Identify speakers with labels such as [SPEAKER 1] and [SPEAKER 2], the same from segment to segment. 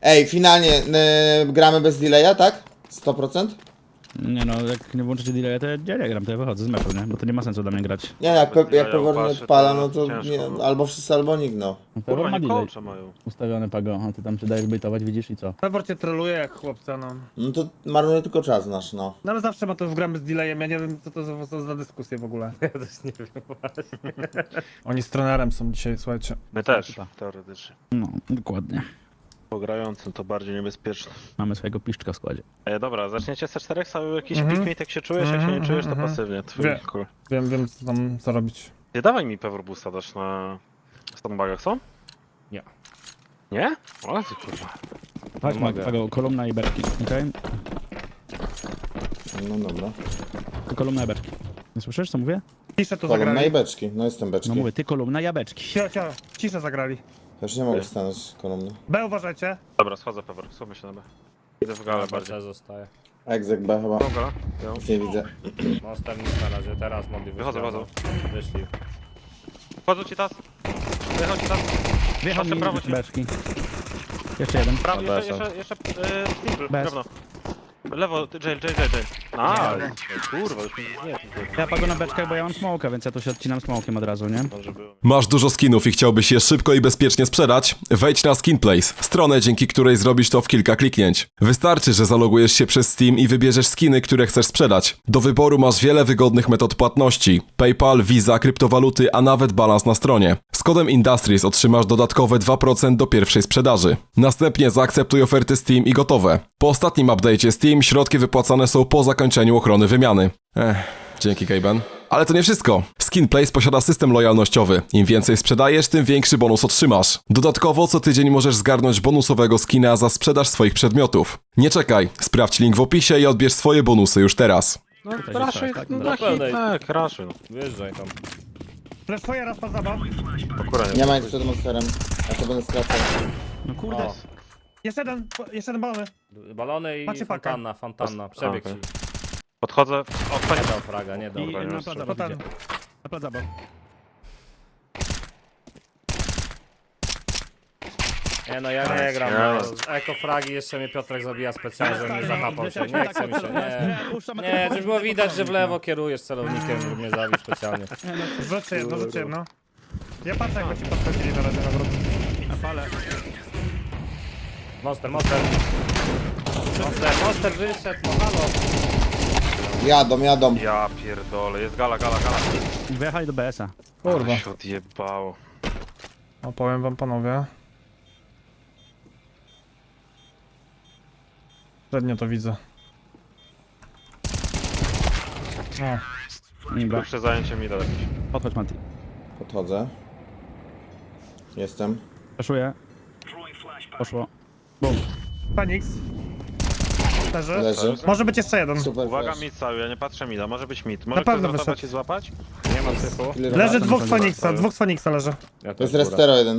[SPEAKER 1] Ej, finalnie gramy bez delaya, tak? 100%?
[SPEAKER 2] Nie no, jak nie włączycie delaya, to ja nie gram, to ja wychodzę z meczu, nie? Bo to nie ma sensu dla mnie grać.
[SPEAKER 1] Nie, jak,
[SPEAKER 3] Bez delaya
[SPEAKER 1] jak Pewor nie
[SPEAKER 3] upatrzę,
[SPEAKER 1] odpala,
[SPEAKER 3] to
[SPEAKER 1] no to
[SPEAKER 3] ciężko,
[SPEAKER 1] nie,
[SPEAKER 3] no.
[SPEAKER 1] albo wszyscy, albo nikt, no.
[SPEAKER 3] Kurwa,
[SPEAKER 2] Ma
[SPEAKER 3] nie
[SPEAKER 2] delay
[SPEAKER 3] kołcze mają.
[SPEAKER 2] ustawiony Pago, a ty tam się dajesz bejtować, widzisz i co?
[SPEAKER 4] Pewor cię troluje jak chłopca, no.
[SPEAKER 1] No to marnuje tylko czas nasz, no.
[SPEAKER 4] No ale zawsze ma to w gramy z delayem, ja nie wiem co to za dyskusje w ogóle.
[SPEAKER 5] Ja też nie wiem właśnie.
[SPEAKER 4] Oni z trenerem są dzisiaj, słuchajcie.
[SPEAKER 3] My też,
[SPEAKER 2] Ekipa.
[SPEAKER 3] teoretycznie.
[SPEAKER 2] No, dokładnie.
[SPEAKER 3] Po grającym to bardziej niebezpieczne.
[SPEAKER 2] Mamy swojego piszczka w składzie.
[SPEAKER 3] Dobra, zaczniecie C4, cały jakiś
[SPEAKER 4] Mhm.
[SPEAKER 3] pikmate, jak się czujesz, jak się nie czujesz, to
[SPEAKER 4] Mhm.
[SPEAKER 3] pasywnie. Twój
[SPEAKER 4] Wie-
[SPEAKER 3] kolor.
[SPEAKER 4] Wiem co robić.
[SPEAKER 3] Nie dawaj mi Pewor Boosta dasz na stonebagach, co?
[SPEAKER 5] Nie.
[SPEAKER 3] Nie? O ty kurwa.
[SPEAKER 2] Chodź,
[SPEAKER 5] mogę.
[SPEAKER 2] Pago, kolumna i berki, okej?
[SPEAKER 1] No dobra.
[SPEAKER 2] Ty kolumna i beczki. Nie słyszysz, co mówię?
[SPEAKER 4] Ciszę to
[SPEAKER 1] Kolumna i
[SPEAKER 4] zagrali.
[SPEAKER 1] beczki, no jestem beczki.
[SPEAKER 2] No mówię, ty kolumna, ja beczki.
[SPEAKER 4] Ciszę zagrali.
[SPEAKER 1] Też nie mogę stanąć kolumny.
[SPEAKER 4] B uważajcie.
[SPEAKER 3] Dobra, schodzę Pewor, słuchaj się na B. Idę w galę bardziej.
[SPEAKER 5] C zostaje.
[SPEAKER 1] Exec B chyba.
[SPEAKER 3] Dobra,
[SPEAKER 1] Nic nie widzę.
[SPEAKER 5] Monster nic na razie, teraz mogli wyjść.
[SPEAKER 3] Wychodzę, wychodzę.
[SPEAKER 5] Wyszli.
[SPEAKER 3] Wchodzą ci tas. Wychodź ci tas.
[SPEAKER 2] Wjechał
[SPEAKER 3] Patrzę
[SPEAKER 2] mi
[SPEAKER 3] prawo ci.
[SPEAKER 2] beczki. Jeszcze jeden.
[SPEAKER 3] Prawo,
[SPEAKER 5] Na
[SPEAKER 3] jeszcze simple,
[SPEAKER 2] Bez.
[SPEAKER 3] drewno. Lewo, jail. Kurwa, już mi nie.
[SPEAKER 2] Ja Pago na beczkach, bo ja mam smoka, więc ja tu się odcinam smokiem od razu, nie?
[SPEAKER 3] Dobrze było.
[SPEAKER 6] Masz dużo skinów i chciałbyś je szybko i bezpiecznie sprzedać? Wejdź na SkinPlace, stronę, dzięki której zrobisz to w kilka kliknięć. Wystarczy, że zalogujesz się przez Steam i wybierzesz skiny, które chcesz sprzedać. Do wyboru masz wiele wygodnych metod płatności: PayPal, Visa, kryptowaluty, a nawet balans na stronie. Z kodem Industries otrzymasz dodatkowe 2% do pierwszej sprzedaży. Następnie zaakceptuj oferty Steam i gotowe. Po ostatnim update'cie Steam środki wypłacane są po zakończeniu ochrony wymiany. Dzięki Kejben. Ale to nie wszystko. SkinPlace posiada system lojalnościowy. Im więcej sprzedajesz, tym większy bonus otrzymasz. Dodatkowo co tydzień możesz zgarnąć bonusowego skina za sprzedaż swoich przedmiotów. Nie czekaj, sprawdź link w opisie i odbierz swoje bonusy już teraz.
[SPEAKER 3] No,
[SPEAKER 2] Tutaj
[SPEAKER 3] raczej,
[SPEAKER 2] się tak,
[SPEAKER 3] no,
[SPEAKER 5] tak?
[SPEAKER 3] taki, tak, raczej. No.
[SPEAKER 5] Wyjeżdżaj tam.
[SPEAKER 4] Fleszuję raz po zabaw.
[SPEAKER 3] Akurat
[SPEAKER 1] Nie ma nic przed monsterem. Ja to będę skracał.
[SPEAKER 2] No kurde.
[SPEAKER 5] O.
[SPEAKER 4] Jeszcze jeden balony.
[SPEAKER 5] Balony i
[SPEAKER 4] Macie pakę.
[SPEAKER 5] fontanna. Przebieg
[SPEAKER 3] okej.
[SPEAKER 5] ci.
[SPEAKER 3] Podchodzę. O,
[SPEAKER 5] Nie
[SPEAKER 3] panie.
[SPEAKER 5] dał fraga, nie dał.
[SPEAKER 2] I
[SPEAKER 3] Dobra,
[SPEAKER 2] na
[SPEAKER 3] już.
[SPEAKER 2] plac
[SPEAKER 4] To
[SPEAKER 2] zabaw
[SPEAKER 4] ten.
[SPEAKER 2] idzie. Na plac zabaw.
[SPEAKER 5] Nie no, ja nie gram. No. Eko fragi jeszcze mnie Piotrek zabija specjalnie, żeby mnie zahapał się. Nie chce mi się, nie. Nie, żeby było widać, że w lewo kierujesz celownikiem, żeby mnie zabić specjalnie.
[SPEAKER 4] Rzuciłem, no. Ja patrzę jak ci podchodzili na razie na wrót.
[SPEAKER 2] Na pale.
[SPEAKER 5] Monster wyszedł, no halo.
[SPEAKER 1] Jadą.
[SPEAKER 3] Ja pierdolę, jest gala.
[SPEAKER 2] Wyjechali do BS-a.
[SPEAKER 4] Kurwa.
[SPEAKER 3] Się odjebało.
[SPEAKER 4] Opowiem wam panowie. Średnio to widzę. O,
[SPEAKER 2] Dobra,
[SPEAKER 3] Pierwsze zajęcie mi da jakieś.
[SPEAKER 2] podchodź Mati.
[SPEAKER 1] Podchodzę. Jestem.
[SPEAKER 2] Preszuję. Poszło. Bum.
[SPEAKER 4] Fenix. Leży.
[SPEAKER 1] Leży.
[SPEAKER 4] Może być jeszcze jeden.
[SPEAKER 1] Super
[SPEAKER 3] Uwaga,
[SPEAKER 1] flash.
[SPEAKER 3] mid cały, ja nie patrzę mida, może być mid. Może
[SPEAKER 4] pewno
[SPEAKER 3] ktoś zrotować
[SPEAKER 4] wyszedł.
[SPEAKER 3] i złapać?
[SPEAKER 5] Nie ma syfu.
[SPEAKER 1] Clear.
[SPEAKER 4] Leży
[SPEAKER 2] Dobra,
[SPEAKER 4] dwóch
[SPEAKER 2] to
[SPEAKER 4] Feniksa, dwóch Feniksa leży.
[SPEAKER 5] Ja
[SPEAKER 1] To jest
[SPEAKER 5] też
[SPEAKER 1] Restero jeden.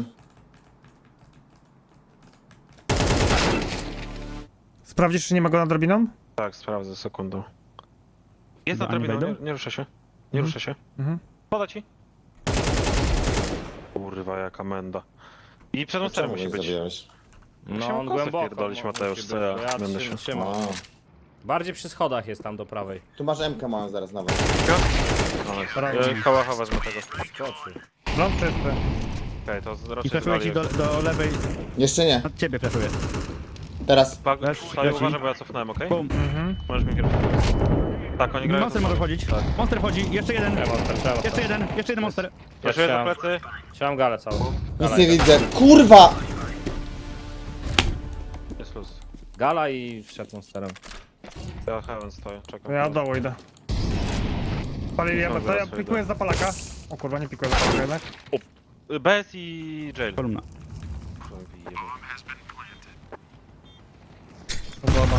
[SPEAKER 4] Sprawdzisz, czy nie ma go nad drobiną?
[SPEAKER 3] Tak, sprawdzę sekundą. Jest na
[SPEAKER 2] Oni
[SPEAKER 3] drabiną,
[SPEAKER 2] wejdą?
[SPEAKER 3] nie rusza się. Nie rusza się.
[SPEAKER 4] Mhm.
[SPEAKER 3] Poda ci. Kurwa, jaka menda. I przed monsterem
[SPEAKER 1] Czemu
[SPEAKER 3] musi
[SPEAKER 1] mnie
[SPEAKER 3] być.
[SPEAKER 1] zabijałeś?
[SPEAKER 5] No on
[SPEAKER 3] kosy
[SPEAKER 5] głęboko.
[SPEAKER 3] wpierdolić,
[SPEAKER 5] musi
[SPEAKER 3] Mateusz,
[SPEAKER 5] być,
[SPEAKER 3] co ja
[SPEAKER 5] bo ja
[SPEAKER 3] będę
[SPEAKER 5] trzymam,
[SPEAKER 3] się-
[SPEAKER 5] trzymam.
[SPEAKER 1] A.
[SPEAKER 5] Bardziej przy schodach jest tam do prawej.
[SPEAKER 1] Tu masz MK mają zaraz nawet.
[SPEAKER 3] Kałacha wezmę tego.
[SPEAKER 5] Skoczy.
[SPEAKER 4] No, czysty.
[SPEAKER 3] Okej, to
[SPEAKER 2] I
[SPEAKER 3] raczej
[SPEAKER 2] preszuję ci do lewej.
[SPEAKER 1] Jeszcze nie.
[SPEAKER 2] Od ciebie preszuję.
[SPEAKER 1] Teraz.
[SPEAKER 3] Saju, uważaj, bo ja cofnąłem, okej?
[SPEAKER 2] Bum.
[SPEAKER 4] Mhm.
[SPEAKER 3] Możesz mi kierować. Tak, oni grają.
[SPEAKER 2] Monster może wchodzić.
[SPEAKER 3] Tak.
[SPEAKER 2] Monster wchodzi. Jeszcze jeden.
[SPEAKER 5] Nie, monster, trzeba.
[SPEAKER 2] Jeszcze jeden monster.
[SPEAKER 3] Proszę
[SPEAKER 5] chciałem.
[SPEAKER 3] do plecy.
[SPEAKER 5] Chciałem galę całą.
[SPEAKER 1] Nic nie widzę. Kurwa!
[SPEAKER 3] Jest luz.
[SPEAKER 5] Gala i wszedł monsterem.
[SPEAKER 3] Ja heaven stoję, czekam.
[SPEAKER 4] Ja od dołu idę. Palili ja
[SPEAKER 3] Dobra,
[SPEAKER 4] to ja
[SPEAKER 3] sobie
[SPEAKER 4] pikuję
[SPEAKER 3] idę.
[SPEAKER 4] za palaka. O kurwa, nie pikuję za palaka jednak.
[SPEAKER 3] BS i jail.
[SPEAKER 2] Kolumna.
[SPEAKER 4] Podoba.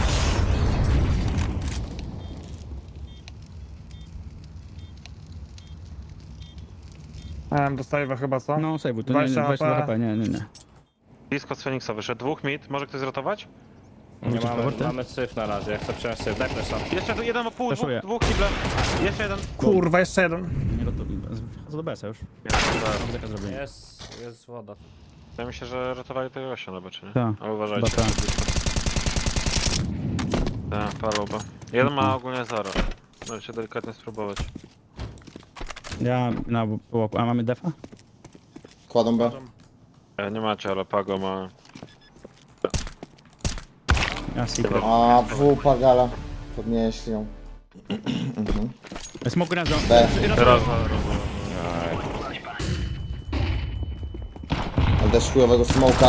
[SPEAKER 4] Dostaję chyba co?
[SPEAKER 2] No save, to nie,
[SPEAKER 4] 20
[SPEAKER 2] 20
[SPEAKER 4] HP.
[SPEAKER 2] HP, nie.
[SPEAKER 3] Blisko z Feniksa wyszedł. Dwóch mid. Może ktoś zrotować?
[SPEAKER 5] Nie mamy,
[SPEAKER 2] powroty?
[SPEAKER 5] mamy syf na razie, ja chcę przejąć syf. Daj flesza.
[SPEAKER 3] Jeszcze tu jeden o pół,
[SPEAKER 2] Flashuję.
[SPEAKER 3] dwóch kible. Jeszcze jeden.
[SPEAKER 4] Kurwa, jeszcze jeden.
[SPEAKER 2] Nie, to wchodzę do BS-a już. Zakaz zrobienia.
[SPEAKER 5] Jest woda.
[SPEAKER 3] Ja myślę, że ratowali tego gościa na czy nie?
[SPEAKER 2] Tak.
[SPEAKER 3] Ale uważajcie.
[SPEAKER 2] Chyba tak.
[SPEAKER 3] Tak, paluba. Jeden ma ogólnie 0. Możecie delikatnie spróbować.
[SPEAKER 2] Ja na łoku. A mamy defa?
[SPEAKER 1] Kładą B.
[SPEAKER 3] Nie macie, ale Pago ma...
[SPEAKER 2] Ja secret.
[SPEAKER 1] A, wupa gala. Podnieśli ją.
[SPEAKER 2] Smoke grenzo.
[SPEAKER 1] B.
[SPEAKER 3] Raz.
[SPEAKER 1] Ale też chujowego smoka.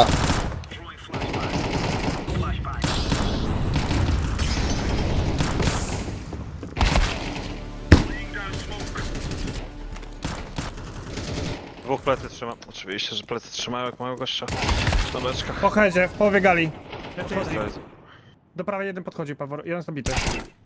[SPEAKER 3] Dwóch plecy trzyma. Oczywiście, że plecy trzymają jak mają gościa. Na beczkach.
[SPEAKER 4] Po headzie, w połowie gali.
[SPEAKER 3] Zajdzie.
[SPEAKER 4] Do prawej jeden podchodzi, Pawor. Jeden jest obity.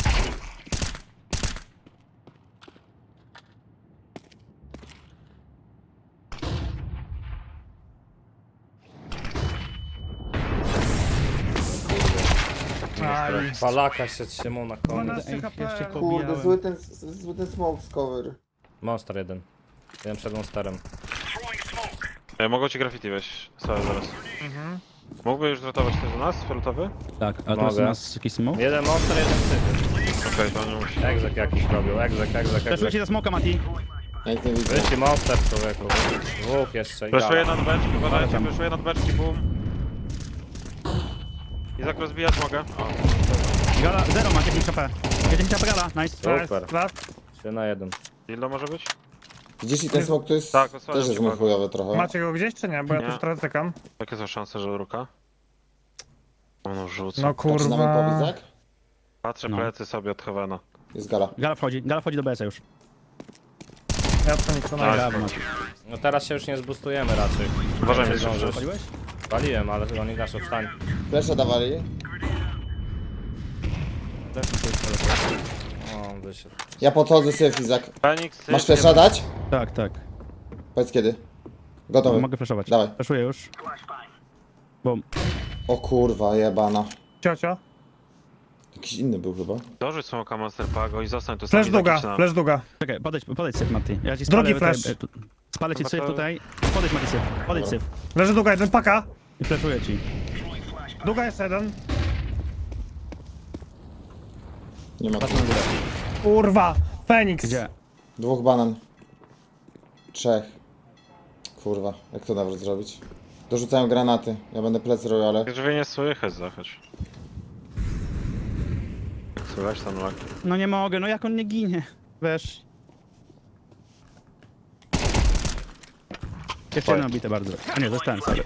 [SPEAKER 4] Aj,
[SPEAKER 5] Palaka się trzymał na koniec.
[SPEAKER 4] 12 HP.
[SPEAKER 2] jeszcze
[SPEAKER 1] Kurde, zły ten smoke z cover.
[SPEAKER 5] Monster jeden. Jeden przed monsterem.
[SPEAKER 3] Mogą ci graffiti wejść. Sorry, zaraz. Mógłby już zrotować ktoś do nas? Fioletowy?
[SPEAKER 2] Tak, a to jest u
[SPEAKER 5] Mogę.
[SPEAKER 2] nas jakiś smoke?
[SPEAKER 5] Jeden monster, jeden syty.
[SPEAKER 3] Okej, to nie musi.
[SPEAKER 5] Egzek jakiś robił, egzek.
[SPEAKER 2] Fleszujcie za smoka, Mati.
[SPEAKER 1] Ja nic nie widzę.
[SPEAKER 5] Wyjście monster człowieku. Dwóch jeszcze i
[SPEAKER 3] Fleszuję
[SPEAKER 5] gala.
[SPEAKER 3] nad beczki, uważajcie,
[SPEAKER 2] Tam.
[SPEAKER 3] fleszuję nad beczki, boom. Izak rozbijać mogę.
[SPEAKER 2] Gala, 0 ma 10 HP. 10 HP gala, nice.
[SPEAKER 5] Super.
[SPEAKER 4] Last.
[SPEAKER 5] 3 na 1.
[SPEAKER 3] Dildo może być?
[SPEAKER 1] Widzisz i ten smoke to jest...
[SPEAKER 3] Tak, osłaniam
[SPEAKER 1] też jest
[SPEAKER 3] cię,
[SPEAKER 1] mój chujowy trochę.
[SPEAKER 4] Macie go gdzieś czy nie? Bo ja
[SPEAKER 3] Nie.
[SPEAKER 4] tu trochę cykam.
[SPEAKER 3] Jakie są szanse, że ruka? No rzucę.
[SPEAKER 4] No
[SPEAKER 1] Zaczynamy po
[SPEAKER 4] kurwa.
[SPEAKER 1] Izak?
[SPEAKER 3] Patrzę
[SPEAKER 2] No.
[SPEAKER 3] plecy sobie od Heavena.
[SPEAKER 1] Jest gala.
[SPEAKER 2] Gala wchodzi do BS-a już.
[SPEAKER 4] Ja to nic, no
[SPEAKER 3] Tak.
[SPEAKER 2] Brawo, Mati.
[SPEAKER 5] No teraz się już nie zbustujemy raczej.
[SPEAKER 3] Uważaj,
[SPEAKER 5] Raczej
[SPEAKER 3] Mistrz.
[SPEAKER 5] zdążysz.
[SPEAKER 2] Wchodziłeś?
[SPEAKER 5] Paliłem, ale oni gaszą wstań.
[SPEAKER 1] Flesza dawali.
[SPEAKER 5] O, wyszedł.
[SPEAKER 1] Ja podchodzę syf, Izak.
[SPEAKER 3] Fenix,
[SPEAKER 1] Masz flesza dać?
[SPEAKER 2] Tak, tak.
[SPEAKER 1] Powiedz kiedy. Gotowy.
[SPEAKER 2] Mogę flashować.
[SPEAKER 1] Dawaj.
[SPEAKER 2] Flashuję już. Bum.
[SPEAKER 1] O kurwa, jebana.
[SPEAKER 4] Ciocio.
[SPEAKER 1] Jakiś inny był chyba.
[SPEAKER 3] Dorzuć smoka Monster Pago i zostań tu
[SPEAKER 4] Flash
[SPEAKER 3] sami
[SPEAKER 4] długa,
[SPEAKER 3] zakić na-
[SPEAKER 4] flash długa.
[SPEAKER 2] Czekaj, podejdź syf, Mati. Ja ci
[SPEAKER 4] Drugi
[SPEAKER 2] spalę
[SPEAKER 4] flash.
[SPEAKER 2] Spalę ci
[SPEAKER 3] No
[SPEAKER 2] syf
[SPEAKER 3] to-
[SPEAKER 2] tutaj. Podejdź, Mati, syf. Podejdź syf.
[SPEAKER 4] Leży długa, jeden paka.
[SPEAKER 2] I flashuję ci.
[SPEAKER 4] Długa jest jeden.
[SPEAKER 1] Nie ma.
[SPEAKER 2] Patrz na górę.
[SPEAKER 4] Kurwa. Feniks.
[SPEAKER 2] Gdzie?
[SPEAKER 1] Dwóch banan. Trzech. Kurwa, jak to nawet zrobić? Dorzucają granaty. Ja będę plec robił, ale...
[SPEAKER 3] Drzwi nie słychać, zachodź. Słychać tam lak.
[SPEAKER 2] No nie mogę, no jak on nie ginie? Wiesz. Jeszcze jedno bite bardzo. A nie, zostałem sobie.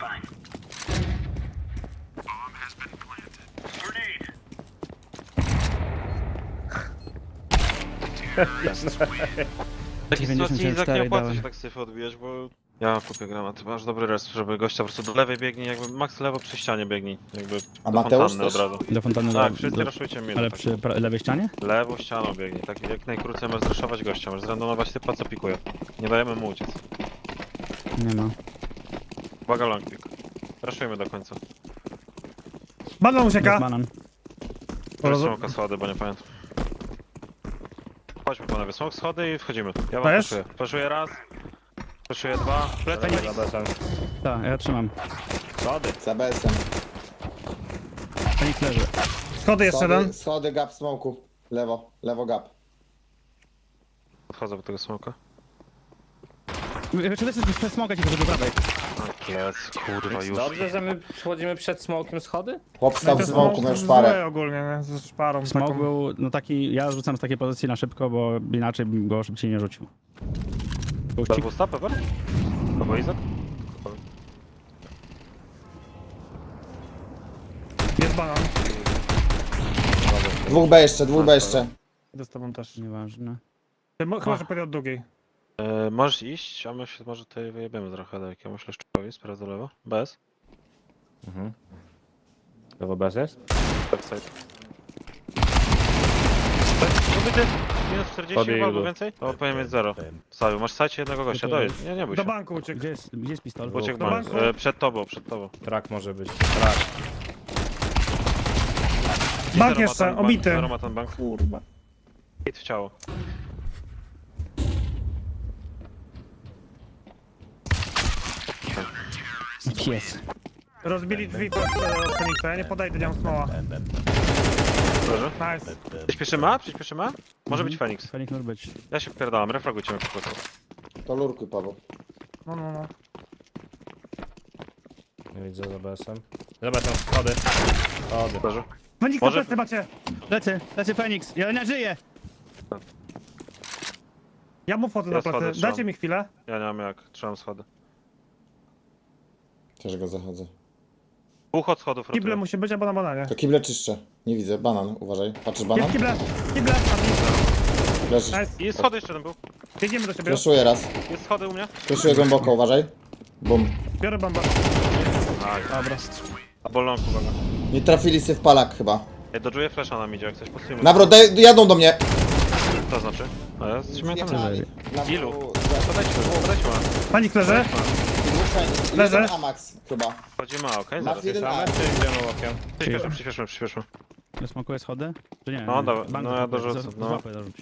[SPEAKER 3] W takiej sytuacji
[SPEAKER 2] 94
[SPEAKER 3] Izak nie opłaca
[SPEAKER 2] dałem.
[SPEAKER 3] się tak syfy odbijać, bo... Ja kupię granat, masz dobry res, żeby gościa po prostu do lewej biegnij, jakby max lewo przy ścianie biegnij. Jakby
[SPEAKER 1] A
[SPEAKER 3] do
[SPEAKER 1] Mateusz
[SPEAKER 3] fontanny od
[SPEAKER 1] też?
[SPEAKER 3] razu.
[SPEAKER 2] Do fontanny
[SPEAKER 3] Tak, wszyscy
[SPEAKER 2] do,
[SPEAKER 3] raszujcie mnie.
[SPEAKER 2] ale
[SPEAKER 3] tak.
[SPEAKER 2] przy lewej ścianie?
[SPEAKER 3] Lewą ścianą biegnij, tak jak najkrócej możesz zraszować gościa, możesz zrandomować typa co pikuje. Nie dajemy mu uciec.
[SPEAKER 2] Nie ma.
[SPEAKER 3] Uwaga long pick. Raszujmy do końca.
[SPEAKER 4] Banan
[SPEAKER 2] Jest
[SPEAKER 4] ucieka.
[SPEAKER 2] banan.
[SPEAKER 3] Może smoka schody, bo nie pamiętam. Chodźmy panowie, smok schody i wchodzimy. Ja wam
[SPEAKER 4] Dajesz?
[SPEAKER 3] flashuję. Flashuję raz. Flashuję dwa. Plecy
[SPEAKER 5] Za bezem.
[SPEAKER 2] Tak, ja trzymam.
[SPEAKER 5] Schody.
[SPEAKER 1] Za BS-em.
[SPEAKER 2] Fenix leży.
[SPEAKER 4] Schody jeszcze jeden.
[SPEAKER 1] Schody, gap, smoku. Lewo, lewo gap.
[SPEAKER 3] Podchodzę do tego smoka.
[SPEAKER 2] Czy to jest smoga ci do prawej?
[SPEAKER 3] Plec, kurwa już.
[SPEAKER 5] Dobrze, że my przechodzimy przed smokiem schody?
[SPEAKER 1] Chłop stał w
[SPEAKER 4] To
[SPEAKER 1] smoku, miał
[SPEAKER 4] złe
[SPEAKER 1] szparę.
[SPEAKER 4] ogólnie, nie? Ze szparą
[SPEAKER 2] Smok
[SPEAKER 4] taką.
[SPEAKER 2] był, no taki, ja rzucam z takiej pozycji na szybko, bo inaczej bym go szybciej nie rzucił. Puścik.
[SPEAKER 3] Double stop, ever? Albo Izak?
[SPEAKER 4] Jest banan.
[SPEAKER 1] Dwóch B jeszcze, dwóch B jeszcze.
[SPEAKER 4] Idę z tobą też.
[SPEAKER 2] Nieważne.
[SPEAKER 4] Chyba, że pójdę od długiej.
[SPEAKER 3] Możesz iść, a my się może tutaj wyjebiemy trochę do jakiegoś leszczowi, sprawdzę lewo. Bez.
[SPEAKER 5] Lewo bez jest?
[SPEAKER 3] Backside. Ubity. Minus 40
[SPEAKER 5] Podbiegł
[SPEAKER 3] chyba, albo
[SPEAKER 5] do-
[SPEAKER 3] więcej? To powinien mieć 0. Stawił, masz sajcie jednego gościa, dojedź. Nie bój
[SPEAKER 4] Do
[SPEAKER 3] się.
[SPEAKER 4] banku uciekł.
[SPEAKER 2] Gdzie jest pistol?
[SPEAKER 3] Uciekł
[SPEAKER 4] Do
[SPEAKER 3] bank.
[SPEAKER 4] banku.
[SPEAKER 3] Przed tobą.
[SPEAKER 5] Trak może być. Trak.
[SPEAKER 4] Bank
[SPEAKER 3] Zero ma
[SPEAKER 4] jeszcze,
[SPEAKER 3] ten
[SPEAKER 4] obity.
[SPEAKER 3] Zero ma ten bank.
[SPEAKER 1] Kurwa.
[SPEAKER 3] Hit w ciało.
[SPEAKER 2] Jest.
[SPEAKER 4] Rozbili drzwi od Feniksa, ja nie podejdę, nie mam smoła.
[SPEAKER 3] Leży.
[SPEAKER 4] Nice.
[SPEAKER 3] Przyspieszymy A? Przyspieszymy A? Może być Feniks.
[SPEAKER 2] Fenix może być.
[SPEAKER 3] Ja się wpierdalam, refragujcie mnie po prostu.
[SPEAKER 1] To lurkuj, Paweł.
[SPEAKER 4] No.
[SPEAKER 5] Nie widzę za BS-em. Zobacz tam schody. Schody.
[SPEAKER 3] Leży.
[SPEAKER 4] Feniksa
[SPEAKER 3] Może-
[SPEAKER 4] plecy macie.
[SPEAKER 2] Lecę Fenix. Ja nie żyję.
[SPEAKER 4] Ja mu wchodzę
[SPEAKER 3] Ja
[SPEAKER 4] na
[SPEAKER 3] schody
[SPEAKER 4] plecy.
[SPEAKER 3] trzymam.
[SPEAKER 4] Dajcie mi chwilę.
[SPEAKER 3] Ja nie mam jak, trzymam schody.
[SPEAKER 1] Też go zachodzę.
[SPEAKER 3] Dwóch od schodów
[SPEAKER 4] Kible
[SPEAKER 3] rotuję.
[SPEAKER 4] musi być albo na bananie.
[SPEAKER 1] To kible czyszczę. Nie widzę. Banan, uważaj. Patrzysz banan?
[SPEAKER 4] Jest kible. Kible.
[SPEAKER 1] Leży.
[SPEAKER 4] Nice.
[SPEAKER 3] I schody jeszcze jeden był.
[SPEAKER 4] Biegniemy do siebie.
[SPEAKER 1] Flashuję raz.
[SPEAKER 3] Jest schody u mnie.
[SPEAKER 1] Flashuję głęboko, uważaj. Bum.
[SPEAKER 4] Biorę bombę.
[SPEAKER 3] Dobra. A bolonku, uwaga.
[SPEAKER 1] Nie trafili sy w palak chyba.
[SPEAKER 3] Ja dodżuję flasha na midzie, jak coś postujemy.
[SPEAKER 1] Nawrot, jadą do mnie.
[SPEAKER 3] To znaczy? A ja trzymaj tam.
[SPEAKER 1] Nawrot-
[SPEAKER 3] Ilu? Podejdźmy.
[SPEAKER 4] Panik leży. Leży.
[SPEAKER 1] Jeden Amax chyba.
[SPEAKER 3] Wchodzimy A, okej?
[SPEAKER 1] Max
[SPEAKER 3] Zaraz.
[SPEAKER 1] jeden
[SPEAKER 5] Same
[SPEAKER 1] A.
[SPEAKER 5] czy idziemy łokiem?
[SPEAKER 3] Przyspieszmy.
[SPEAKER 2] Smokuję schody? Czy nie?
[SPEAKER 3] No,
[SPEAKER 2] Nie.
[SPEAKER 3] dobra,
[SPEAKER 2] Bank
[SPEAKER 3] no ja
[SPEAKER 2] zasmokuję.
[SPEAKER 3] dorzucę,
[SPEAKER 2] Z
[SPEAKER 3] no.
[SPEAKER 2] łapy dorzuć.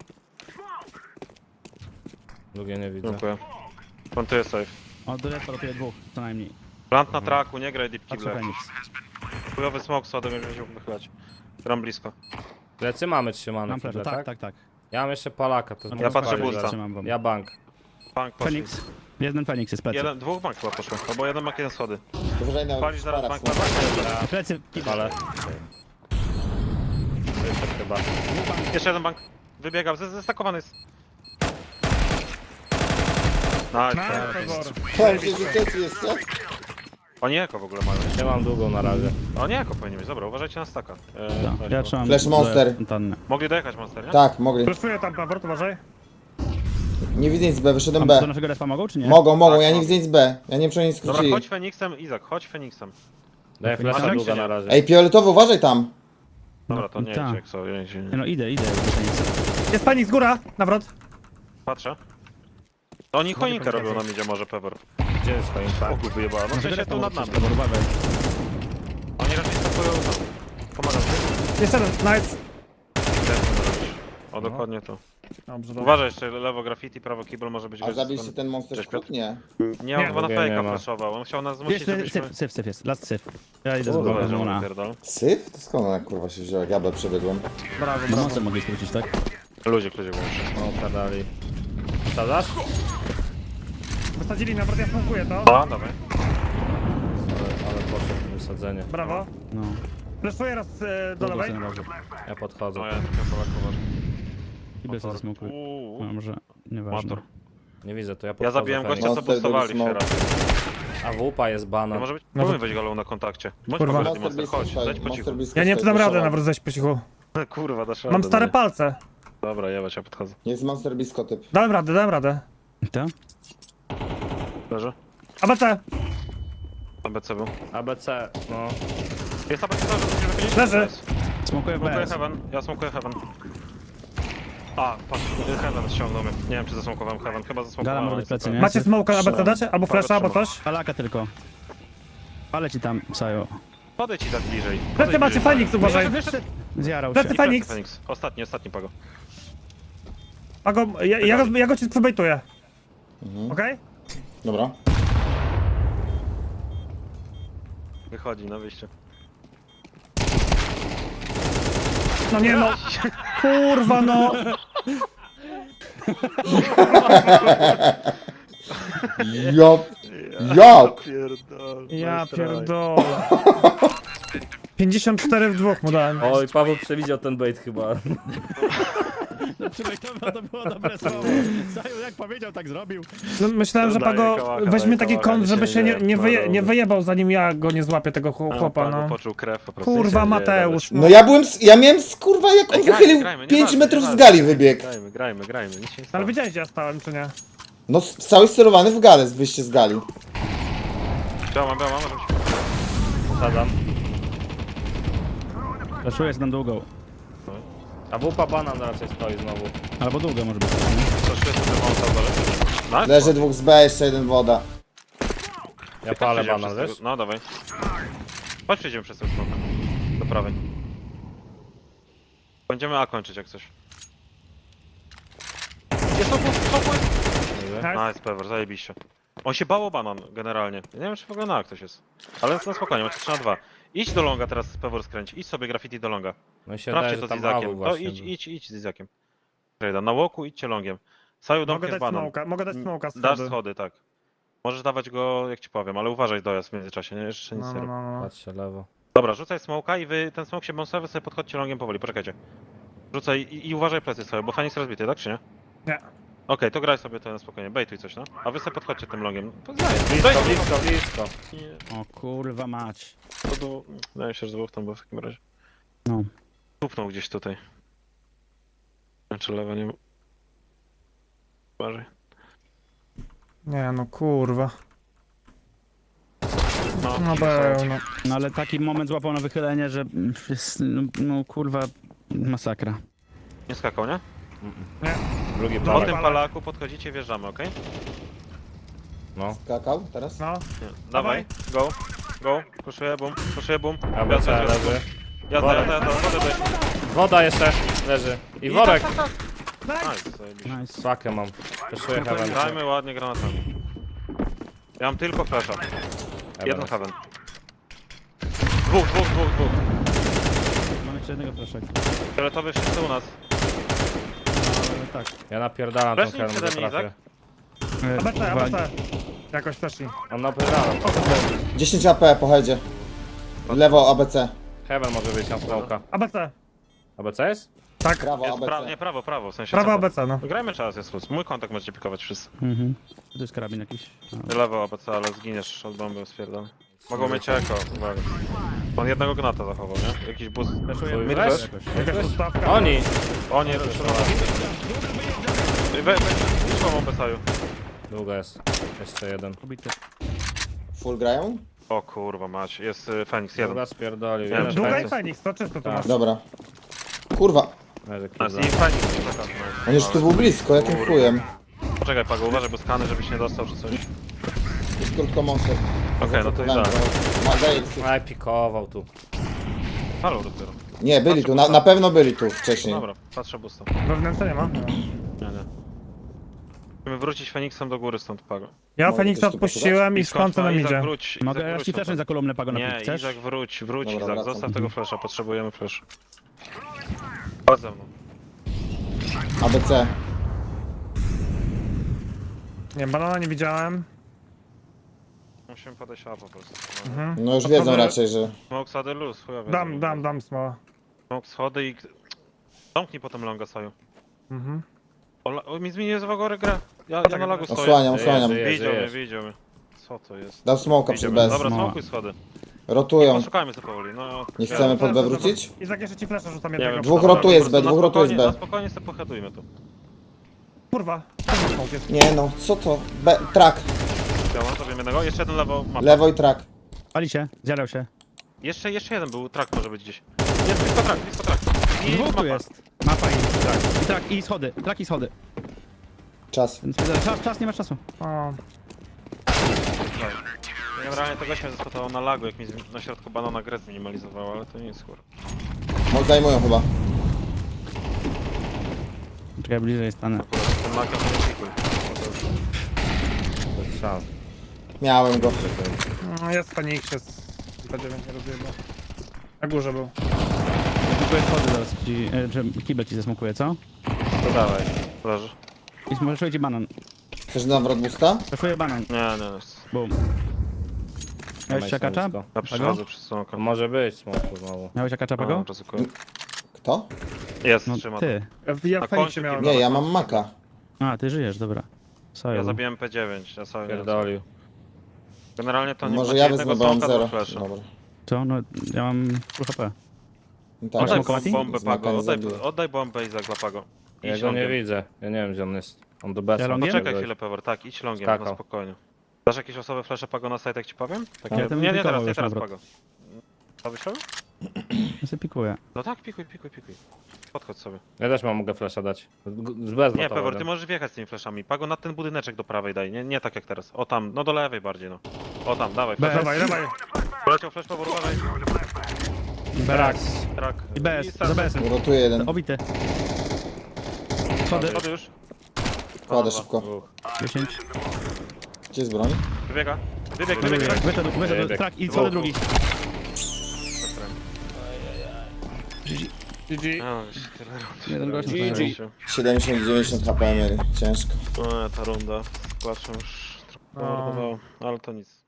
[SPEAKER 5] Drugie nie widzę.
[SPEAKER 3] Dziękuję. Plantuję safe.
[SPEAKER 2] O, do lewa rotuje dwóch, co najmniej.
[SPEAKER 3] Plant na traku, nie graj deep
[SPEAKER 2] Patrzę
[SPEAKER 3] kible.
[SPEAKER 2] Fenix.
[SPEAKER 3] Chujowy smoke sodem, jak się wychylać. Gram blisko.
[SPEAKER 5] Plecy mamy trzymane
[SPEAKER 2] Mam
[SPEAKER 5] chwilę,
[SPEAKER 2] flash,
[SPEAKER 5] tak?
[SPEAKER 2] tak.
[SPEAKER 5] Ja mam jeszcze Palaka, to
[SPEAKER 3] Ja patrzę
[SPEAKER 5] spalić
[SPEAKER 3] bulca.
[SPEAKER 5] zaraz.
[SPEAKER 2] Trzymam wam.
[SPEAKER 5] Ja bank.
[SPEAKER 3] Bank poszli.
[SPEAKER 2] Fenix. Jeden Fenix jest plecy.
[SPEAKER 3] Dwóch bank chyba poszło. Albo jeden bank, jeden schody.
[SPEAKER 1] Uważaj na
[SPEAKER 3] Palisz zaraz
[SPEAKER 1] parak.
[SPEAKER 3] bank na bank.
[SPEAKER 2] Plecy.
[SPEAKER 5] Ale. Wyszedł chyba.
[SPEAKER 3] Jeszcze jeden bank. Wybiegam, zestakowany jest. Nice.
[SPEAKER 4] Nice, Pegor.
[SPEAKER 1] Powiem ci, że trzeci jeszcze?
[SPEAKER 3] Oni eko w ogóle mają.
[SPEAKER 5] Nie mam długą na razie.
[SPEAKER 3] Oni eko powinni mieć, dobra, uważajcie na staka.
[SPEAKER 2] Ja trzymam.
[SPEAKER 1] Flash monster.
[SPEAKER 2] Fontannę.
[SPEAKER 3] Mogli dojechać monster, nie?
[SPEAKER 1] Tak, mogli.
[SPEAKER 4] Flashuję tam, Pawor, uważaj.
[SPEAKER 1] Nie widzę nic B, wyszedłem
[SPEAKER 2] A
[SPEAKER 1] B.
[SPEAKER 2] do naszego respa mogą, czy nie?
[SPEAKER 1] Mogą,
[SPEAKER 3] Tak,
[SPEAKER 1] ja nie
[SPEAKER 3] no.
[SPEAKER 1] widzę nic B. Ja nie wiem, czy oni
[SPEAKER 3] Dobra,
[SPEAKER 1] skrócili.
[SPEAKER 3] chodź Feniksem, Izak, chodź Feniksem.
[SPEAKER 5] Daję flasha
[SPEAKER 3] tak
[SPEAKER 5] długa
[SPEAKER 3] się
[SPEAKER 5] na
[SPEAKER 3] nie-
[SPEAKER 5] razie.
[SPEAKER 1] Ej, fioletowy, uważaj tam.
[SPEAKER 3] Dobra, to nie
[SPEAKER 2] tak.
[SPEAKER 3] idź jak sobie,
[SPEAKER 2] Nie, no idę do Fenixa.
[SPEAKER 4] Jest panik z góra. Nawrot.
[SPEAKER 3] Patrzę. To oni choinkę robią na midzie może Pevor.
[SPEAKER 5] Gdzie jest choinka?
[SPEAKER 3] O kurwa jebała, no w sensie tu nad nami.
[SPEAKER 2] Uważaj.
[SPEAKER 3] Oni raczej stopują tam. Pomagam ci.
[SPEAKER 4] Jeszcze jeden. Nice.
[SPEAKER 3] O, dokładnie to.
[SPEAKER 4] Dobrze, dobrze.
[SPEAKER 3] Uważaj jeszcze, lewo graffiti, prawo kibel może być
[SPEAKER 1] A
[SPEAKER 3] gość
[SPEAKER 1] zabiliście
[SPEAKER 3] stąd.
[SPEAKER 1] ten monster
[SPEAKER 3] Cześć,
[SPEAKER 1] skrót? Nie.
[SPEAKER 3] Nie, on
[SPEAKER 4] Nie.
[SPEAKER 3] chyba na
[SPEAKER 5] Drugie nie
[SPEAKER 3] fejka
[SPEAKER 5] ma.
[SPEAKER 3] flashował, on chciał nas zmusić,
[SPEAKER 2] Jest
[SPEAKER 3] żebyśmy...
[SPEAKER 2] syf jest. Last syf. Ja idę z
[SPEAKER 3] Dobra,
[SPEAKER 2] głową
[SPEAKER 3] że
[SPEAKER 2] na.
[SPEAKER 3] on pierdol.
[SPEAKER 1] Syf? To skąd ona kurwa się wzięła? Jak ja przebiegłem.
[SPEAKER 2] No mocno mogli skrócić, tak?
[SPEAKER 3] Ludzie wyłączy.
[SPEAKER 5] O, kadali. Sadzasz?
[SPEAKER 4] Wysadzili nawrot, ja smokuję to.
[SPEAKER 3] A, dawaj.
[SPEAKER 5] Ale poszedł wysadzenie.
[SPEAKER 4] Brawo.
[SPEAKER 2] No.
[SPEAKER 4] Flashuję raz do lewej.
[SPEAKER 5] Ja podchodzę.
[SPEAKER 3] No ja tylko Polakować.
[SPEAKER 2] Kibel sobie zasmokuj. No może, nieważne.
[SPEAKER 3] Motor.
[SPEAKER 5] Nie widzę, to ja
[SPEAKER 3] Ja
[SPEAKER 5] podchodzę.
[SPEAKER 3] zabiłem
[SPEAKER 5] Feniks.
[SPEAKER 3] gościa, co
[SPEAKER 1] Monster
[SPEAKER 3] boostowali
[SPEAKER 1] drugi
[SPEAKER 3] się
[SPEAKER 1] smoke.
[SPEAKER 3] raz.
[SPEAKER 5] A wupa jest
[SPEAKER 3] No
[SPEAKER 5] bana.
[SPEAKER 3] może być,
[SPEAKER 4] No
[SPEAKER 3] próbuj
[SPEAKER 4] to-
[SPEAKER 3] wejść galą na kontakcie. Bądź
[SPEAKER 4] Kurwa.
[SPEAKER 3] poważny,
[SPEAKER 1] Monster
[SPEAKER 3] monster,
[SPEAKER 1] blisko
[SPEAKER 3] chodź,
[SPEAKER 1] stoi.
[SPEAKER 3] zejdź po
[SPEAKER 1] Monster
[SPEAKER 3] cichu.
[SPEAKER 1] blisko
[SPEAKER 4] Ja nie
[SPEAKER 1] stoi,
[SPEAKER 4] dam rady
[SPEAKER 1] proszę.
[SPEAKER 4] nawrot zejść po cichu.
[SPEAKER 3] Kurwa, dasz radę.
[SPEAKER 4] Mam
[SPEAKER 3] no
[SPEAKER 4] stare
[SPEAKER 3] nie.
[SPEAKER 4] palce.
[SPEAKER 3] Dobra, jebać, ja podchodzę.
[SPEAKER 1] Jest monster blisko typ.
[SPEAKER 4] Dałem radę.
[SPEAKER 2] To?
[SPEAKER 3] Leży?
[SPEAKER 4] ABC.
[SPEAKER 3] ABC był.
[SPEAKER 5] ABC, no.
[SPEAKER 3] Jest ABC, że musimy wychodzić?
[SPEAKER 4] Leży.
[SPEAKER 2] Smokuję w
[SPEAKER 3] Smokuję
[SPEAKER 2] BS.
[SPEAKER 3] Heaven, ja smokuję Heaven. A, patrz, Heaven ściągnął mnie. Nie wiem, czy zasmokowałem Heaven, chyba
[SPEAKER 2] Gala
[SPEAKER 3] zasmokowałem.
[SPEAKER 2] może
[SPEAKER 3] ale
[SPEAKER 2] być plecy,
[SPEAKER 3] nie?
[SPEAKER 2] nie?
[SPEAKER 4] Macie smoka ABC dacie? Albo flasha, albo
[SPEAKER 3] trzymam.
[SPEAKER 4] coś?
[SPEAKER 2] Palaka tylko. Ale ci tam, Sajo.
[SPEAKER 3] Podejdź ci tak bliżej.
[SPEAKER 4] Plecy macie, Feniks, uważaj.
[SPEAKER 2] Zjarał
[SPEAKER 4] Plecy
[SPEAKER 2] się.
[SPEAKER 4] Feniks.
[SPEAKER 3] Feniks. Ostatni pago.
[SPEAKER 4] Pago, ja go ci przebejtuję. Okej?
[SPEAKER 1] Dobra.
[SPEAKER 3] Wychodzi na wyjście.
[SPEAKER 4] No nie no. Kurwa no.
[SPEAKER 1] Jak?
[SPEAKER 3] Pierdol.
[SPEAKER 4] Ja pierdolę. 54 w dwóch mu dałem.
[SPEAKER 5] Oj, Paweł przewidział ten bait chyba.
[SPEAKER 2] To było dobre słowo. Sajo jak powiedział, tak zrobił.
[SPEAKER 4] No, myślałem, że
[SPEAKER 3] Daję
[SPEAKER 4] Pago
[SPEAKER 3] kałacha,
[SPEAKER 4] weźmie
[SPEAKER 3] daję
[SPEAKER 4] taki
[SPEAKER 3] kałacha,
[SPEAKER 4] kąt, żeby się nie
[SPEAKER 3] no,
[SPEAKER 4] wyjebał, zanim ja go nie złapię, tego chłopa, no.
[SPEAKER 3] Poczuł krew po prostu.
[SPEAKER 4] Kurwa,
[SPEAKER 3] Nic się nie
[SPEAKER 4] Mateusz,
[SPEAKER 1] No ja miałem kurwa jak on
[SPEAKER 3] Ej, grajmy,
[SPEAKER 1] wychylił
[SPEAKER 3] grajmy,
[SPEAKER 1] 5
[SPEAKER 3] nieważne,
[SPEAKER 1] metrów z
[SPEAKER 3] nieważne.
[SPEAKER 1] gali wybiegł.
[SPEAKER 3] Grajmy, nic się nie stało.
[SPEAKER 4] Ale wiedziałeś, gdzie ja stałem, czy nie?
[SPEAKER 1] No cały sterowany w galę, z wyjście z gali.
[SPEAKER 3] Biała, może być.
[SPEAKER 5] Sadam.
[SPEAKER 2] Flashuję z tam długą.
[SPEAKER 5] A wupa banan raczej stoi znowu.
[SPEAKER 2] Albo długo może być.
[SPEAKER 3] Coś jest w tym dole.
[SPEAKER 1] Leży dwóch z B, jeszcze jeden woda.
[SPEAKER 5] Ja palę banan, wiesz?
[SPEAKER 3] No dawaj. Chodź przejdziemy przez ten smok. Do prawej. Będziemy A kończyć jak coś. Jest to.
[SPEAKER 4] Nice.
[SPEAKER 3] Nice, Pevor, zajebiście. On się bał o banan generalnie. Ja nie wiem, czy w ogóle na ktoś jest. Ale na spokojnie, macie 3 na 2. Idź do longa teraz, Pewor skręć. Idź sobie graffiti do longa.
[SPEAKER 5] No i się
[SPEAKER 3] Sprawdźcie
[SPEAKER 5] daje,
[SPEAKER 3] to
[SPEAKER 5] że
[SPEAKER 3] z
[SPEAKER 5] tam
[SPEAKER 3] Izakiem.
[SPEAKER 5] awu
[SPEAKER 3] To
[SPEAKER 5] właśnie.
[SPEAKER 3] idź z Izakiem. Trejda. Na łoku idźcie longiem. Saju
[SPEAKER 4] Mogę
[SPEAKER 3] domkiem
[SPEAKER 4] dać
[SPEAKER 3] w banan.
[SPEAKER 4] smoka, mogę dać smoka z
[SPEAKER 3] Dasz
[SPEAKER 4] schody.
[SPEAKER 3] schody, tak. Możesz dawać go, jak ci powiem, ale uważaj dojazd w międzyczasie, nie? Jeszcze nic
[SPEAKER 4] No,
[SPEAKER 3] nie
[SPEAKER 4] no,
[SPEAKER 3] rób.
[SPEAKER 4] no, no.
[SPEAKER 5] Patrzcie lewo.
[SPEAKER 3] Dobra, rzucaj smoka i wy, ten smok się bonsowy, sobie podchodźcie longiem powoli, poczekajcie. Rzucaj i uważaj plecy sobie, bo Fenix rozbity, tak czy nie?
[SPEAKER 4] Nie.
[SPEAKER 3] Okej, to graj sobie to na spokojnie, bejtuj coś, no. A wy sobie podchodźcie tym longiem.
[SPEAKER 5] Blisko.
[SPEAKER 2] O kurwa mać.
[SPEAKER 3] To było... Wydaje mi się, że dwóch tam było w takim razie.
[SPEAKER 2] No.
[SPEAKER 3] Tupnął gdzieś tutaj. Czy lewa nie... Uważaj.
[SPEAKER 4] Nie no, kurwa.
[SPEAKER 3] No,
[SPEAKER 4] No był, no.
[SPEAKER 2] No ale taki moment złapał na wychylenie, że jest, no kurwa, masakra.
[SPEAKER 3] Nie skakał, nie?
[SPEAKER 5] Drugi
[SPEAKER 3] Po
[SPEAKER 5] palak.
[SPEAKER 3] tym palaku podchodzicie, wjeżdżamy, okej?
[SPEAKER 5] No.
[SPEAKER 1] Skakał teraz?
[SPEAKER 4] No,
[SPEAKER 3] Nie. Dawaj, go. Go, puszuję boom.
[SPEAKER 5] ABC leży.
[SPEAKER 3] Jazda, wodę daj.
[SPEAKER 5] Woda jeszcze leży. I worek.
[SPEAKER 3] Nice, zajebiście.
[SPEAKER 2] Nice.
[SPEAKER 5] Swakę mam. Poszuję heaven.
[SPEAKER 3] Dajmy ładnie granatami. Ja mam tylko flasha. Jeden heaven. Dwóch.
[SPEAKER 2] Mam jeszcze jednego proszek.
[SPEAKER 3] Fioletowy wszyscy u nas.
[SPEAKER 2] Ale tak.
[SPEAKER 5] Ja napierdalam tą
[SPEAKER 3] Weszli
[SPEAKER 5] heaven,
[SPEAKER 3] przede mnie,
[SPEAKER 5] trafię.
[SPEAKER 4] ABC, ABC. Jakoś weszli.
[SPEAKER 5] On napierdalam.
[SPEAKER 1] 10 AP po headzie. Lewo ABC.
[SPEAKER 5] Heaven może wyjść na smoka.
[SPEAKER 4] ABC.
[SPEAKER 5] ABC jest?
[SPEAKER 4] Tak,
[SPEAKER 1] Prawo
[SPEAKER 3] Jest
[SPEAKER 1] ABC.
[SPEAKER 3] nie, prawo, w sensie
[SPEAKER 4] prawo
[SPEAKER 3] co?
[SPEAKER 4] ABC, no.
[SPEAKER 3] Grajmy czas, jest luz. Mój kontakt możecie pikować wszyscy.
[SPEAKER 2] Mhm. To jest karabin jakiś. No.
[SPEAKER 3] Lewo ABC, ale zginiesz od bomby, spierdol. Mogą mieć eko, uwaga. On jednego gnata zachował, nie? Jakiś boost.
[SPEAKER 2] Flashuję
[SPEAKER 5] Twój
[SPEAKER 2] midwest
[SPEAKER 5] flash?
[SPEAKER 2] jakoś.
[SPEAKER 4] Jakaś ustawka.
[SPEAKER 5] Oni!
[SPEAKER 3] Oni wyszło bombę Saju.
[SPEAKER 5] Długo jest. Jeszcze jeden.
[SPEAKER 2] Pobity.
[SPEAKER 1] Full grają?
[SPEAKER 3] O kurwa mać, jest Fenix jeden.
[SPEAKER 5] Długa spierdolił.
[SPEAKER 3] Wiem,
[SPEAKER 5] Jeden
[SPEAKER 3] że
[SPEAKER 4] Długa i
[SPEAKER 5] Fenix.
[SPEAKER 4] Fenix, to czysto tu
[SPEAKER 5] Tak.
[SPEAKER 4] masz.
[SPEAKER 1] Dobra. Kurwa,
[SPEAKER 5] Leży
[SPEAKER 3] Nice.
[SPEAKER 5] kibla.
[SPEAKER 3] I Fenix jest taka.
[SPEAKER 1] on już tu był blisko, jakim chujem.
[SPEAKER 3] Poczekaj Pago, uważaj, bo skany, żebyś nie dostał czy coś.
[SPEAKER 1] Jest krótko monster.
[SPEAKER 3] Okej, no to i tak.
[SPEAKER 1] Ma Gales.
[SPEAKER 5] Aj, pikował tu.
[SPEAKER 3] Halo dopiero.
[SPEAKER 1] Nie, byli tu, na pewno byli tu wcześniej.
[SPEAKER 3] Dobra, patrzę busta.
[SPEAKER 4] Wewnętrznie nie ma.
[SPEAKER 3] Nie. Musimy wrócić Feniksem do góry stąd Pago.
[SPEAKER 4] Ja
[SPEAKER 1] Mogę
[SPEAKER 4] Feniksa
[SPEAKER 1] coś tu
[SPEAKER 4] odpuściłem i
[SPEAKER 3] Skąd
[SPEAKER 4] szkoncę
[SPEAKER 3] ma
[SPEAKER 4] nam
[SPEAKER 3] Izak,
[SPEAKER 4] idzie.
[SPEAKER 3] wróć.
[SPEAKER 2] Mogę
[SPEAKER 3] Izak,
[SPEAKER 2] ja
[SPEAKER 3] wróć
[SPEAKER 2] ci flashnąć
[SPEAKER 3] stąd.
[SPEAKER 2] za kolumnę pago na
[SPEAKER 3] Nie,
[SPEAKER 2] plik, chcesz?
[SPEAKER 3] Izak wróć,
[SPEAKER 1] Dobra,
[SPEAKER 3] Izak,
[SPEAKER 1] wracam.
[SPEAKER 3] zostaw tego flasha, potrzebujemy flash. Chodź ze mną.
[SPEAKER 1] ABC.
[SPEAKER 4] Nie, banana nie widziałem.
[SPEAKER 3] Musimy podejść A po prostu.
[SPEAKER 4] Mhm.
[SPEAKER 1] No już
[SPEAKER 4] To
[SPEAKER 1] wiedzą
[SPEAKER 4] sobie-
[SPEAKER 1] raczej, że...
[SPEAKER 3] Smoke sady luz, chujowie.
[SPEAKER 4] Dam smoła.
[SPEAKER 3] Smoke schody i... Zamknij potem longa Saju.
[SPEAKER 4] Mhm.
[SPEAKER 3] O, mi zmienił z wagory grę. Ja na lagu stoję.
[SPEAKER 1] Osłaniam.
[SPEAKER 5] Żyje.
[SPEAKER 3] Widział mnie. Co to jest?
[SPEAKER 1] Dał smoka
[SPEAKER 3] Widział
[SPEAKER 1] przed
[SPEAKER 3] mnie.
[SPEAKER 1] bez.
[SPEAKER 3] Dobra,
[SPEAKER 2] No.
[SPEAKER 3] smokuj schody.
[SPEAKER 1] Rotują.
[SPEAKER 3] Poszukajmy sobie powoli, no.
[SPEAKER 1] Nie chcemy pod B wrócić?
[SPEAKER 4] Izak, jeszcze ci flasza rzucam
[SPEAKER 3] Nie
[SPEAKER 4] jednego.
[SPEAKER 3] wiem,
[SPEAKER 1] Dwóch
[SPEAKER 3] dobra,
[SPEAKER 1] rotuje
[SPEAKER 3] po
[SPEAKER 1] z B,
[SPEAKER 3] prostu
[SPEAKER 1] dwóch
[SPEAKER 3] na
[SPEAKER 1] rotuje z
[SPEAKER 3] spokojnie-
[SPEAKER 1] B.
[SPEAKER 3] Na spokojnie sobie pochedujmy tu.
[SPEAKER 4] Kurwa, ten smoke jest.
[SPEAKER 1] Nie no, co to? B, track.
[SPEAKER 3] Działa, zrobimy jednego. Jeszcze jeden lewo mapa.
[SPEAKER 1] Lewo i track.
[SPEAKER 2] Pali się, zjarał się.
[SPEAKER 3] Jeszcze jeden był, track może być gdzieś. Jest blisko track. I
[SPEAKER 2] Dwóch
[SPEAKER 3] mapa.
[SPEAKER 2] tu jest. Mapa i trak. I trak, i schody. Trak i schody.
[SPEAKER 1] Czas.
[SPEAKER 2] Więc czas, nie ma czasu.
[SPEAKER 4] O,
[SPEAKER 3] Generalnie tego się zaspotował na lagu, jak mi na środku banana grę zminimalizowało, ale to nic kurwa.
[SPEAKER 1] Zajmują chyba.
[SPEAKER 2] Czekaj, bliżej stanę.
[SPEAKER 3] Akurat ten lag to nie pikuj.
[SPEAKER 5] Bez szans.
[SPEAKER 1] Miałem go.
[SPEAKER 4] jest Fenix, jest. B9 nie rozjebał. Na górze był.
[SPEAKER 2] Smokuję schody zaraz ci, że kibel ci zasmokuje, co?
[SPEAKER 3] To dawaj, leży.
[SPEAKER 2] I smaszuję ci banan.
[SPEAKER 1] Chcesz nawrot boosta?
[SPEAKER 2] Flashuję banan.
[SPEAKER 3] Nie.
[SPEAKER 2] Boom. Miałeś
[SPEAKER 5] Dawaj
[SPEAKER 2] akacza?
[SPEAKER 5] stanowisko.
[SPEAKER 3] Ja przechodzę przez smoka.
[SPEAKER 5] Może być smoku znowu.
[SPEAKER 2] Miałeś akacza, pago?
[SPEAKER 3] Ryzykuję.
[SPEAKER 1] Kto?
[SPEAKER 3] Jest,
[SPEAKER 2] No
[SPEAKER 3] trzyma.
[SPEAKER 2] ty.
[SPEAKER 4] Ja
[SPEAKER 3] Na
[SPEAKER 4] w Feniksie
[SPEAKER 3] końcu
[SPEAKER 4] miałem.
[SPEAKER 3] kibla.
[SPEAKER 1] Nie, ja mam maka.
[SPEAKER 2] A, ty żyjesz, dobra.
[SPEAKER 3] Ja
[SPEAKER 2] Sorry.
[SPEAKER 3] zabiłem P9, ja sobie
[SPEAKER 5] Pierdolił.
[SPEAKER 3] Generalnie to nie
[SPEAKER 1] Może
[SPEAKER 3] macie
[SPEAKER 1] ja
[SPEAKER 3] jednego
[SPEAKER 1] wezmę, bo mam
[SPEAKER 3] smoka,
[SPEAKER 1] 0.
[SPEAKER 3] dwóch flasha.
[SPEAKER 1] Dobra.
[SPEAKER 2] Co? No, ja mam full HP.
[SPEAKER 1] Tak,
[SPEAKER 3] Oddaj
[SPEAKER 2] smokować?
[SPEAKER 3] bombę Pago,
[SPEAKER 1] Zmaganie
[SPEAKER 3] oddaj,
[SPEAKER 1] zabiję.
[SPEAKER 3] oddaj bombę i dla Pago.
[SPEAKER 5] Ja
[SPEAKER 3] Idź
[SPEAKER 5] go nie
[SPEAKER 3] longiem.
[SPEAKER 5] widzę. Ja nie wiem gdzie on jest. On do B.
[SPEAKER 2] Ja longiem?
[SPEAKER 3] Poczekaj chwilę Pewor, tak, idź longiem,
[SPEAKER 5] Skakał.
[SPEAKER 3] na spokojnie. Dasz jakieś osoby flasze Pago na site, jak ci powiem? Takie...
[SPEAKER 2] Ale to
[SPEAKER 3] Nie, nie
[SPEAKER 2] pikował
[SPEAKER 3] teraz, nie
[SPEAKER 2] już
[SPEAKER 3] teraz
[SPEAKER 2] nawrot.
[SPEAKER 3] Pago. Co byś robił?
[SPEAKER 2] Ja sobie pikuję.
[SPEAKER 3] No tak, pikuj. Podchodź sobie.
[SPEAKER 5] Ja też mogę flasha dać. Z bez
[SPEAKER 3] Nie, Pewor, ty możesz wjechać z tymi flashami. Pago na ten budyneczek do prawej daj, nie tak jak teraz. O tam, no do lewej bardziej, no. O tam, dawaj,
[SPEAKER 2] Bez.
[SPEAKER 3] flash.
[SPEAKER 4] Dawaj.
[SPEAKER 3] Poleciał flash, Pewor, uważaj.
[SPEAKER 2] Brak.
[SPEAKER 3] Track.
[SPEAKER 2] I bez,
[SPEAKER 3] start.
[SPEAKER 2] za bez-em.
[SPEAKER 1] Rotuję jeden.
[SPEAKER 2] Obity. Schody.
[SPEAKER 3] Schody już.
[SPEAKER 1] Kładę
[SPEAKER 3] Dwa.
[SPEAKER 1] szybko.
[SPEAKER 5] Dwóch.
[SPEAKER 2] 10.
[SPEAKER 1] Gdzie jest broń?
[SPEAKER 3] Wybiega. Wybieg.
[SPEAKER 2] Wyszedł, trak i co drugi.
[SPEAKER 5] GG.
[SPEAKER 2] Jeden gość.
[SPEAKER 5] GG.
[SPEAKER 1] 70-90 HP mieli. Ciężko.
[SPEAKER 3] No, ta runda z płaczem już trochę mordowało, ale to nic.